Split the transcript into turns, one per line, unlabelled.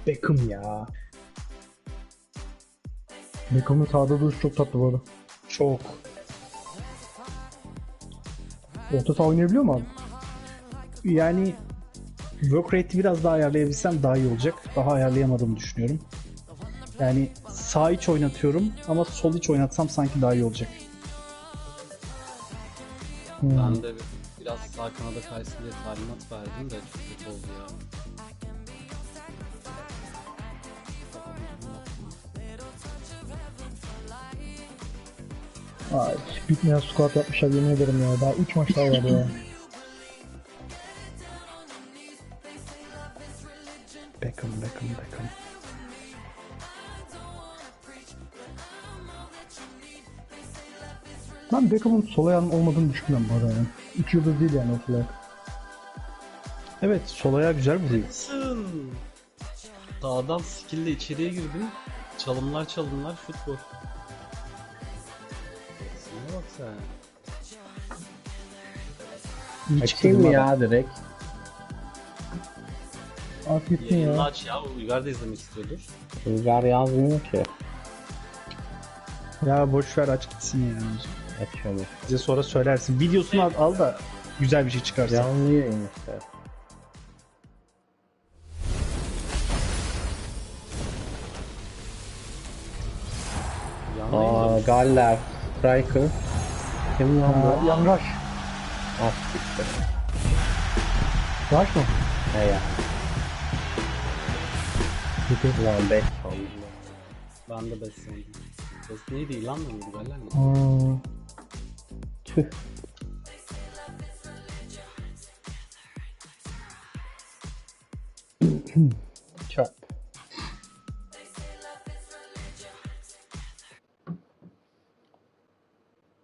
Beckham ya.
Beckham'ın sağda duruşu çok tatlı bu arada.
Çok.
Orta saha oynayabiliyor mu abi?
Yani work rate'i biraz daha ayarlayabilsem daha iyi olacak. Daha ayarlayamadığımı düşünüyorum. Yani sağ iç oynatıyorum ama sol iç oynatsam sanki daha iyi olacak.
Ben de biraz sağ kanada kaysın diye talimat verdim de çok kötü oldu ya.
Ay, bitmeyen squat yapmışlar yemin ederim ya. Daha 3 maç daha var ya.
Beckham.
Ben Beckham'ın sol ayağının olmadığını düşünmüyorum bu arada yani. 2 yıldız değil yani o sol ayak.
Evet, sol ayağı güzel vuruyor.
Sın. Dağdan skill'le içeriye girdim. Çalımlar şut gol. Sana bak sen.
İyi
Açayım mı ya direkt?
At gitsin
Yayını
ya.
aç ya. Uygar da izlemek istiyordur.
Rüzgar yazmıyor ki.
Ya boş ver, aç gitsin ya.
Açıyorum.
Bize sonra söylersin. Videosunu al da güzel bir şey çıkarsa.
Canlı yayın işte. Aa, Galler. Striker. Kim lan bu?
Yan rush.
At gitti.
Rush mı?
Ne ya? Ulan 5 sandım.
Ben de 5 sandım. 5 neydi, ilan mı mıydı? Galler mi?
Tüh.